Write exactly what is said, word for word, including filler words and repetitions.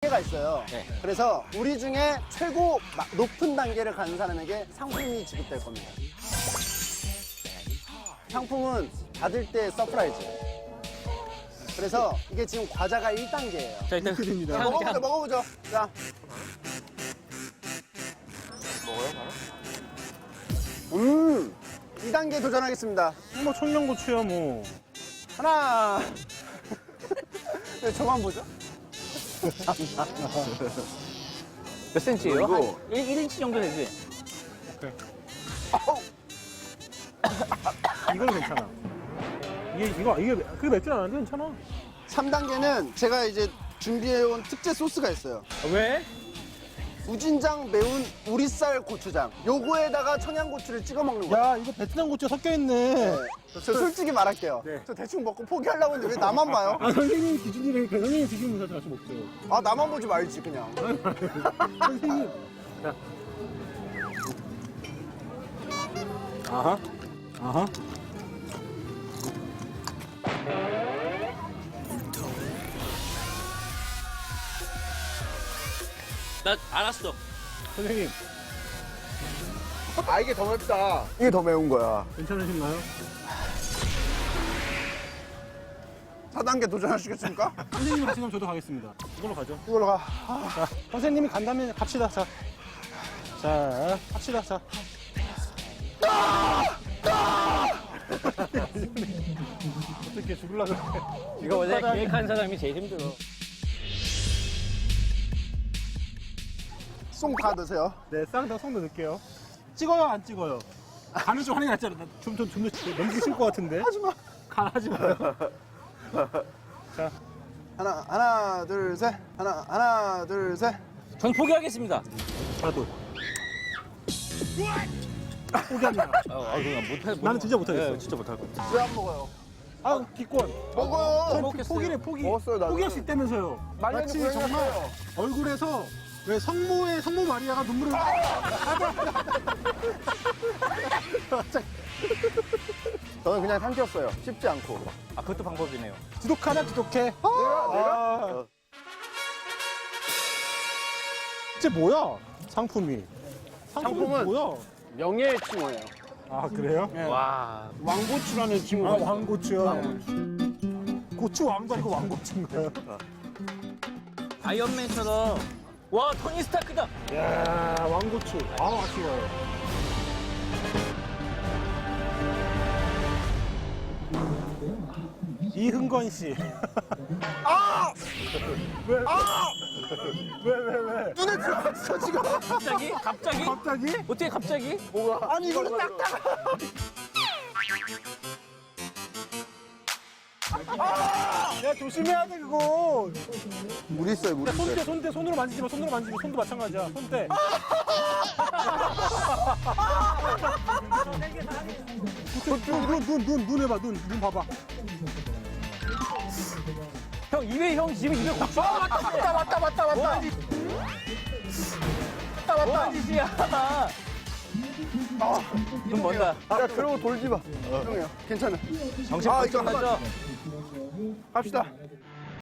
단계가 있어요. 네. 그래서 우리 중에 최고 마- 높은 단계를 가는 사람에게 상품이 지급될 겁니다. 상품은 받을 때 서프라이즈. 그래서 이게 지금 과자가 일 단계예요. 자, 일단 됩니다. 향, 먹어보죠, 향. 먹어보죠. 자. 먹어요, 바로? 음, 이 단계 도전하겠습니다. 뭐 청양고추야 뭐. 하나. 네, 저만 보죠. 몇 센치예요? 이거- 한 일, 일 인치 정도 되지? 오케이. 아우. 이건 괜찮아. 이게 이거 이게 그게 맵진 않은데 괜찮아. 삼 단계는 제가 이제 준비해온 특제 소스가 있어요. 왜? 우진장 매운 우리쌀 고추장. 요거에다가 청양고추를 찍어 먹는 거예요. 야 이거 베트남 고추 섞여 있네. 네. 저 솔직히 말할게요. 네. 저 대충 먹고 포기하려고 했는데 왜 나만 봐요? 아 선생님 기준이니까 선생님 기준으로 같이 먹죠. 아, 나만 보지 말지, 그냥. 선생님. 자. 아하. 아하. 나 알았어. 선생님 아, 이게 더 맵다. 이게 더 매운 거야. 괜찮으신가요? 사 단계 도전하시겠습니까? 선생님 하시면 저도 가겠습니다. 이걸로 가죠. 이걸로 가. 자, 선생님이 간다면 갑시다. 자, 자, 갑시다. 자. 어떻게 죽을라 그래? 이거 원래 계획한 사람이 제일 힘들어. 송 다 넣으세요. 네, 쌍다 손도 넣을게요. 찍어요, 안 찍어요? 간을 좀 하는 게 낫잖아. 좀, 좀, 좀 더 넘기기 싫을 것 같은데. 하지 마. 간 하지 마요. 자, 하나, 하나, 둘, 셋. 하나, 하나, 둘, 셋. 전 포기하겠습니다. 나도. 포기합니다. 아, 아 그냥 못할. 나는 진짜 못하겠어. 네, 진짜 못할 것 같아. 왜 안 먹어요? 아, 기권. 먹어요. 전 먹겠어요. 포기래, 포기. 먹었어요, 나는. 포기할 수 있다면서요. 말년이 마치 고양이 정말 같아요. 얼굴에서 왜 성모의 성모 마리아가 눈물을. 저는 그냥 삼켰어요. 씹지 않고. 아, 그것도 방법이네요. 지독하나 지독해. 내가, 내가? 아. 이제 뭐야? 상품이. 상품이 상품은- 뭐야? 명예의 칭호예요. 아 그래요? 와. 왕고추라는 칭호. 아 왕고추요. 고추 왕도 아니고 왕고추인가요? 아이언맨처럼. 와, 토니 스타크다. 야 왕고추. 아 아쉬워요. 이흥건 씨. 아! 왜? 아! 왜 왜 왜? 눈에 들어갔어, 지금. 갑자기? 갑자기? 갑자기? 어떻게 갑자기? 뭐가? 아니, 이걸로 딱딱. 야 조심해야 돼 그거. 물 있어요, 물 야, 있어요. 손대 손대 손으로 만지지 마. 손으로 만지면 손도 마찬가지야. 손대. 눈눈눈눈 눈 해봐. 눈 눈 봐봐. 형, 입에, 형 지금 입에 고추. 아, 맞다, 맞다, 맞다, 맞다, 맞다. 맞다, 맞다. 뭐하는 짓이야. 눈 먼다. 야, 그러고 돌지 마. 형이요. 괜찮아. 정신 아, 번쩍 이거 한번- 하죠. 갑시다.